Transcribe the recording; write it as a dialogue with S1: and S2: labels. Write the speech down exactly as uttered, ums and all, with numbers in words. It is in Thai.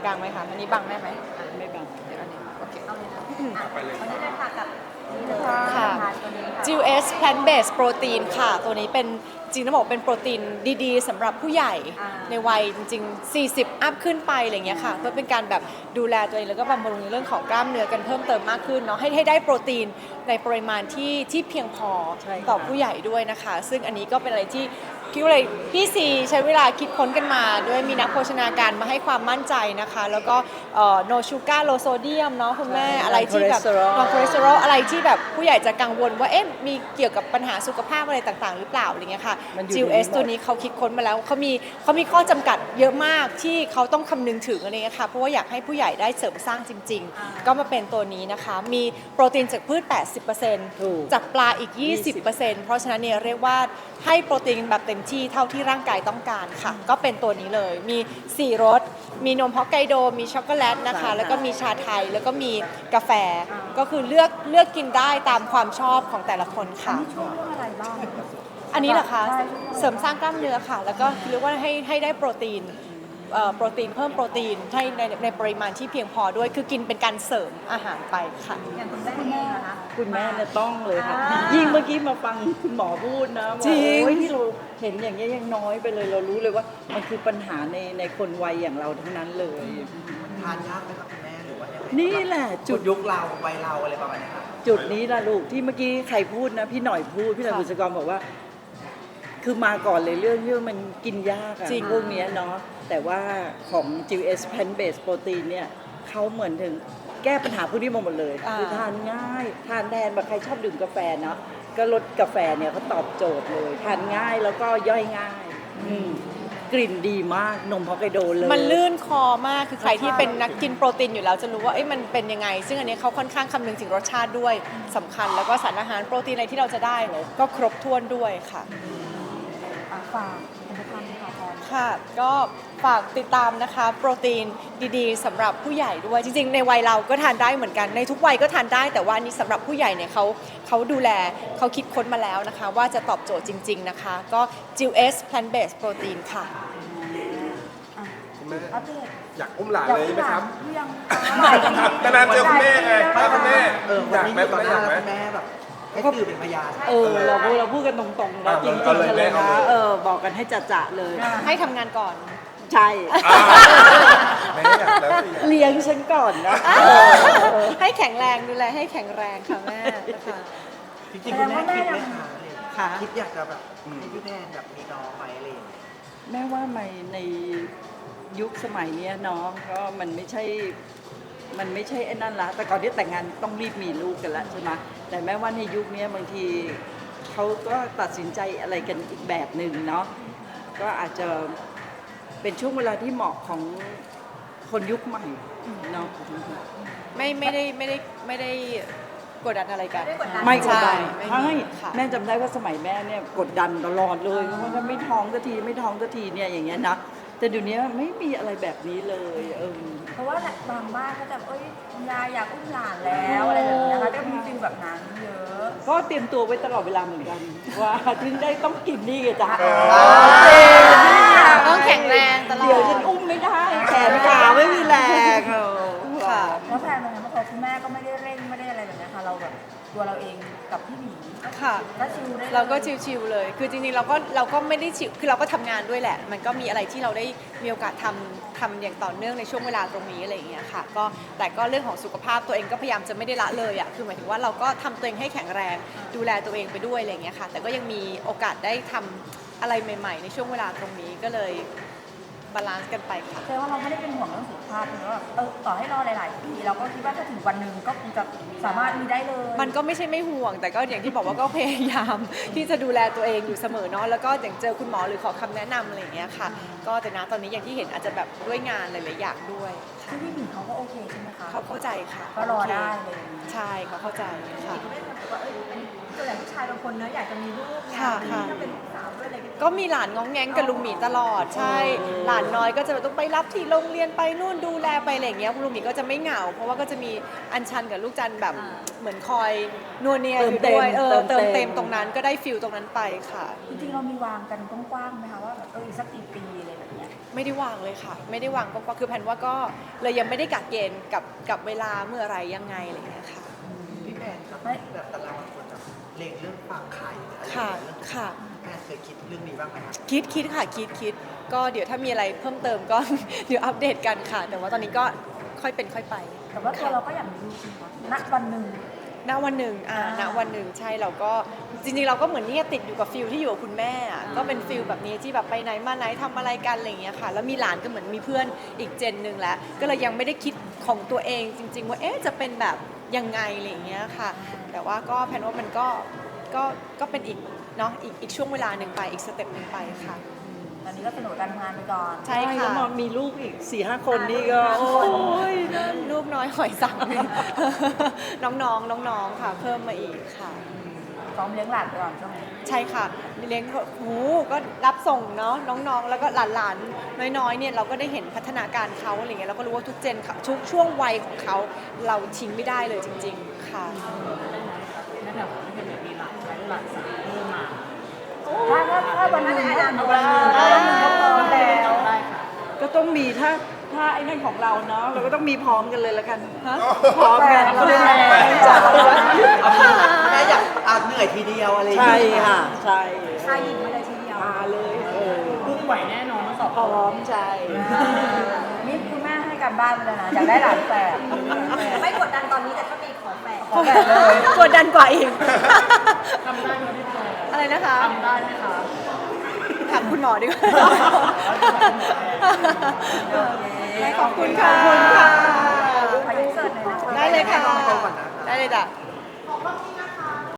S1: กลางไหมคะอันนี้บังได้ไหม
S2: ไม่บัง
S1: เดี๋ยวอันนี้โอเค
S3: เอาเลยนะอ่ะวันนี้เลยค่ะกับนี่เลย
S1: ค่ะ
S3: ตัวนี้ค่ะ
S1: จิว เอส Plant Based Protein ค่ะ ตัวนี้เป็นจริงต้องบอกเป็นโปรตีนดีๆสำหรับผู้ใหญ่ในวัยจริงๆ สี่สิบ อัพขึ้นไปอะไรเงี้ยค่ะเพื่อเป็นการแบบดูแลตัวเองแล้วก็บำรุงเรื่องของกล้ามเนื้อกันเพิ่มเติมมากขึ้นเนาะให้ให้ได้โปรตีนในปริมาณที่ที่เพียงพอต่อผู้ใหญ่ด้วยนะคะ ซึ่งอันนี้ก็เป็นอะไรที่พี่เลยพี่ซีใช้เวลาคิดค้นกันมาด้วยมีนักโภชนาการมาให้ความมั่นใจนะคะ แล้วก็โนชูการ์โลโซเดียมเนาะคุณแม่อะไรที่แบบโนคอเลสเตอรอลอะไรที่แบบผู้ใหญ่จะกังวลว่าเอ๊ะมีเกี่ยวกับปัญหาสุขภาพอะไรต่างๆหรือเปล่าอะไรเงี้ยค่ะ จิว เอส ตัวนี้เขาคิดค้นมาแล้วเขามีเขามีข้อจำกัดเยอะมากที่เขาต้องคำนึงถึงอะไรเงี้ยค่ะเพราะว่าอยากให้ผู้ใหญ่ได้เสริมสร้างจริงๆก็มาเป็นตัวนี้นะคะมีโปรตีนจากพืช แปดสิบเปอร์เซ็นต์ จากปลาอีก ยี่สิบเปอร์เซ็นต์ เพราะฉะนั้นเนี่ยเรียกว่าให้โปรตีนแบบเต็มที่เท่าที่ร่างกายต้องการค่ะก็เป็นตัวนี้เลยมีสี่รสมีนมฮอกไกโดมีช็อกโกแลตนะคะแล้วก็มีชาไทยแล้วก็มีกาแฟก็คือเลือกเลือกกินได้ตามความชอบของแต่ละคนค่ะ
S3: ช่วยเรื่องอะไรบ้าง
S1: อันนี้เหรอคะเสริมสร้างกล้ามเนื้อค่ะแล้วก็เรียกว่าให้ให้ได้โปรตีนเอ่อโปรตีนเพิ่มโปรตีนให้ในในปริมาณที่เพียงพอด้วยคือกินเป็นการเสริมอาหารไปค่ะ
S3: อย่างคุณแม่เองนะคะ
S2: คุณแม่เนี่ยต้องเลยค่ะ
S3: อ่ายิ่
S2: ยิ่งเมื่อกี้มาฟังคุณหมอพูดนะว่า
S1: จริง
S2: โอ้ยที่เราเห็นอย่างเงี้ยยังน้อยไปเลยเรารู้เลยว่ามันคือปัญหาในในคนวัยอย่างเราทั้งนั้นเลย
S4: ทานยากไหมครับคุณแม่หรือว่ายังไง
S2: นี่แหละ
S4: จุ
S2: จุ
S4: ด
S2: ด
S4: ยุคเราวัยเราอะไรประมาณเนี้ยครับ
S2: จุดนี้ล่ะลูกที่เมื่อกี้ใครพูดนะพี่หน่อยพูดพี่หน่อย
S1: ค่ะ
S2: บุษกรบอกว่า คือมาก่อนเลยเรื่องที่ว่ามันกินยากอะ
S1: จริง
S2: พวกเนี้ยเนาะแต่ว่าของ จิว เอส Plant Based Protein เนี่ยเขาเหมือนถึงแก้ปัญหาพวกนี้มาหมดเลย
S1: อ่า
S2: คือทานง่าย ทานแทนแบบใครชอบดื่มกาแฟเนาะก็ลดกาแฟเนี่ยเขาตอบโจทย์เลย ทานง่ายแล้วก็ย่อยง่ายอืมกลิ่นดีมากนมฮอกไกโดเลย
S1: มันลื่นคอมากคือใครที่เป็นนักกินโปรตีนอยู่แล้วจะรู้ว่าเอ้ยมันเป็นยังไง ซึ่งอันนี้เขาค่อนข้างคำนึงถึงรสชาติด้วยสำคัญแล้วก็สารอาหารโปรตีนอะไรที่เราจะได้ก็ครบถ้วนด้วยค่ะ
S3: อ่ะฝากผลิตภัณฑ์ค่ะพร
S1: ค่ะก็ฝากติดตามนะคะโปรตีนดีๆสำหรับผู้ใหญ่ด้วยจริงๆในวัยเราก็ทานได้เหมือนกันในทุกวัยก็ทานได้แต่ว่านี่สำหรับผู้ใหญ่เนี่ยเขาเขาดูแลเขาคิดค้นมาแล้วนะคะว่าจะตอบโจทย์จริงๆนะคะก็ จิว เอส Plant Based Protein ค่ะ
S5: คุณแม่
S3: อัปเดต
S5: อยากอุ้มหลานเลยไหมครับ
S3: เรื่อง
S5: นานๆเจอคุณแม่ไงถ้าคุณแม่
S4: เออ
S5: อ
S4: วัน
S5: ยาก
S4: นี้
S5: ไหม
S4: อยู่
S5: ต
S4: ต่
S5: อ
S4: อน ห
S5: นั้นอยากไหม
S4: น้าคุณแม่แบบให้สื่อเป็นพยาน
S2: เออเราพูดเราพูดกันตรงๆนะ
S5: อ่า
S2: จริงๆ
S5: ก็เลย
S2: กัน
S5: แม่
S2: เลย
S5: เอา
S2: นะ
S5: เลย
S2: เออบอกกันให้จะๆเลย
S1: ให้ทำงานก่อน
S2: ใช่
S5: อ่าแม่อยากแล้วสิอยาก
S2: เลี้ยงฉันก่อนนะ
S1: ให้แข็งแรงดูแลให้แข็งแรงค่ะแม่นะคะ
S4: จริงๆคุณแม่คิดไหมคะ
S2: ค่ะ
S4: คิดอยากจะแบบให้พี่แม่แบบมีน้องไหมอะไรอย่างเงี้ย
S2: แม่ว่าไม่ในยุคสมัยเนี้ยเนาะก็มันไม่ใช่มันไม่ใช่ไอ้นั่นละแต่ก่อนที่แต่งงานต้องรีบมีลูกกันละใช่ไหมแต่แม่ว่าในยุคนี้บางทีเขาก็ตัดสินใจอะไรกันอีกแบบหนึ่งเนาะก็อาจจะเป็นช่วงเวลาที่เหมาะของคนยุคใหม่เนาะ
S1: ไม่ไม่ได้ไม่ได้ไม่ได้กดดันอะไรกัน
S2: ไม่กดดัน
S1: ใช่
S2: ใช่
S1: ไม่มีค่ะ
S2: แม่จำได้ว่าสมัยแม่เนี่ยกดดันตลอดเลยเพราะว่าไม่ท้องสักทีไม่ท้องสักทีเนี่ยอย่างเงี้ยนะแต่เดี๋ยวนี้ไม่มีอะไรแบบนี้เลยเออ
S3: เพราะว่าบางบ้านก็จะเอ้ยคุณยายอยากอุ้มหลานแล้วอะไรแบบนี้นะคะก็มีฟิลแบบนั้นเยอะ
S2: ก็เตรียมตัวไว้ตลอดเวลาเหมือนกัน ว่าถึงได้ต้องกินนี่ไงจ้ะ
S1: ต้องแข็งแรงตลอด
S2: เดี๋ยวฉันอุ้มไม่ได้แขนขาไม่มีแรงเออ
S1: ค่ะ
S3: แล้วแฟนเป็นไงบ้างคะคุณแม่ก็ไม่ได้เร่งไม่ได้อะไรแบบนี้ค่ะเราแบบตัวเราเองกับพี่หมี
S1: ค่ะ
S3: ก็ชิลได้ลย
S1: เราก็ชิวๆเลย คือจริงๆเราก็เราก็ไม่ได้ชิวคือเราก็ทำงานด้วยแหละ มันก็มีอะไรที่เราได้มีโอกาสทำทำอย่างต่อเนื่องในช่วงเวลาตรงนี้อะไรอย่างเงี้ยค่ะ ก็แต่ก็เรื่องของสุขภาพตัวเองก็พยายามจะไม่ได้ละเลยอ่ะ คือหมายถึงว่าเราก็ทำตัวเองให้แข็งแรง ดูแลตัวเองไปด้วยอะไรอย่างเงี้ยค่ะ แต่ก็ยังมีโอกาสได้ทำอะไรใหม่ ๆ ในช่วงเวลาตรงนี้ก็เลยบาลานซ์กันไปค่ะ
S3: แสดงว่าเราไม่ได้เป็นห่วงเรื่องสุขภาพเลยว่าเออต่อให้รอหลาย ๆ ปีเราก็คิดว่าถ้าถึงวันหนึ่งก็คงจะสามารถมีได้เลย
S1: มันก็ไม่ใช่ไม่ห่วง แต่ก็อย่างที่บอกว่าก็พยายามที่จะดูแลตัวเองอยู่เสมอเนาะแล้วก็อย่างเจอคุณหมอหรือขอคำแนะนำอะไรอย่างเงี้ยค่ะ ก็แต่นะตอนนี้อย่างที่เห็นอาจจะแบบด้วยงานหลายๆอย่างด้วย
S3: ซึ่งพี่หมีเขาก็โอเคใช่ไหมคะ
S1: เขาเข้าใจค่ะ
S3: ก็รอได้เลย
S1: ใช่เขาเข้าใจค่ะ
S3: ไม่ได้แบบว่าเอ้ยตัวอย่างผู้ชายบางคนเนอะอยากจะมีลูกไง
S1: ค่ะค่ะ
S3: ถ้าเป็นสาวด้วยอะไรก็
S1: ก็มีหลานง้องแง้งกับลุงหมีตลอดใช่ หลานน้อยก็จะต้องไปรับที่โรงเรียนไปนู่นดูแลไปอะไรอย่างเงี้ยคุณลุงหมีก็จะไม่เหงา เพราะว่าก็จะมีอัญชันกับลูกจันแบบเหมือนคอยนัวเนียอยู่ด้วยเออเติมเต็มตรงนั้นก็ได้ฟิลตรงนั้นไปค่ะ
S3: จริงๆเรามีวางกันกว้างๆไหมคะว่าแบบเอออีกสักกี่ปีอะไรแบบเนี้ย
S1: ไม่ได้วางเลยค่ะ ไม่ได้วางก็คือแผนว่าก็เลยยังไม่ได้กะเกณฑ์กับกับเวลาเมื่อไหรยังไงอะไรอย่างเงี้ยค่ะ
S4: พี่แพนครับแบบแต่ละคนแบบเล็งเรื่องฝากไข่หรืออะไร
S1: ค่ะ
S4: เรื่อง
S1: ค่ะ
S4: แพนเคยคิดเรื่องนี้บ้างไหมครับ
S1: คิดคิดค่ะคิดคิดก็เดี๋ยวถ้ามีอะไรเพิ่มเติมก็ เดี๋ยวอัปเดตกันค่ะ แต่ว่าตอนนี้ก็ค่อยเป็นค่อยไป
S3: แต่ว่าตัวเราก็อยากมีลูกใช่ไหมคะณวันหนึ่ง
S1: ณวันหนึ่งอ่าณวันหนึ่งใช่เราก็จริงๆ เราก็เหมือนเนี่ยติดอยู่กับฟิลที่อยู่กับคุณแม่อะก็เป็นฟิลแบบนี้ที่แบบไปไหนมาไหนทำอะไรกันอะไรอย่างเงี้ยค่ะ แล้วมีหลานก็เหมือนมีเพื่อนอีกเจนหนึ่งแล้ว ก็เลยยังไม่ได้คิดของตัวเองจริง ๆ ว่าเอ๊ะจะเป็นแบบยังไงอะไรอย่างเงี้ยค่ะ แต่ว่าก็แพนว่ามันก็ก็ก็เป็นอีกเนาะอีกอีกช่วงเวลาหนึ่งไปอีกสเต็ปหนึ่งไปค่ะ
S3: ตอนนี้ก็สนุกกับการทำงานไปก่อน
S1: ใช่
S2: แล้
S1: ค่ะ
S2: วมามีลูกอีกสี่ห้าคนนี่ก็โอ้ย
S1: ลูกน้อยหอยสัง น้องๆน้องๆค่ะ เพิ่มมาอีกค่ะ
S3: ซ้อมเลี้ยงหลานไปก่อนช่วงนี้
S1: ใช่ค่ะเลี้ยงหูก็รับส่งเนาะน้องๆ แล้วก็หลานๆ น้อยๆเนี่ยเราก็ได้เห็นพัฒนาการเขาอะไรเงี้ยเราก็รู้ว่าทุกเจนค่ะทุกช่วงวัยของเขาเราทิ้งไม่ได้เลยจริง ๆ ค่ะ
S3: ถ้าถ้าถ้าวันหนึ่งถ้าวันหนึ่งถ้าวันหนึ่งก็พร้อมแล้ว
S2: ก็ต้องมีถ้าถ้าไอ้นั่นของเราเนาะเราก็ต้องมีพร้อมกันเลยละกัน
S1: ฮะ
S2: พร้อมกัน
S3: พร้อมกัน
S2: จัดตัว
S4: แม่อยากอ่ะเหนื่อยทีเดียวอะไรอย่าง
S2: ใช่
S4: เงี้ย
S2: ค่ะใช่
S3: ชายหญิงไปเลยทีเดียว
S2: มาเลยเออ
S6: พุ่งไหวแน่นอนทั้งสอง
S2: พร้อมใช่
S3: นี่คุณแม่ให้การบ้านไปเลยนะอยากได้หลานแฝด
S7: ไม่กดดันตอนนี้แต่ถ้ามีขอแฝด
S3: ขอแฝดเลย
S1: กดดันกว่าอีก
S6: ทำได้ไหมพี่แพร
S1: อะไรนะคะ
S6: ทำได้ไหมคะ
S1: ถามคุณหมอดีกว่าขอบคุณค่ะ
S3: ขออินเสิร์ตหน่อยนะคะ
S1: ได้เลยค่ะ
S4: ลองก่อนนะคะ
S1: ได้เลยจ้ะ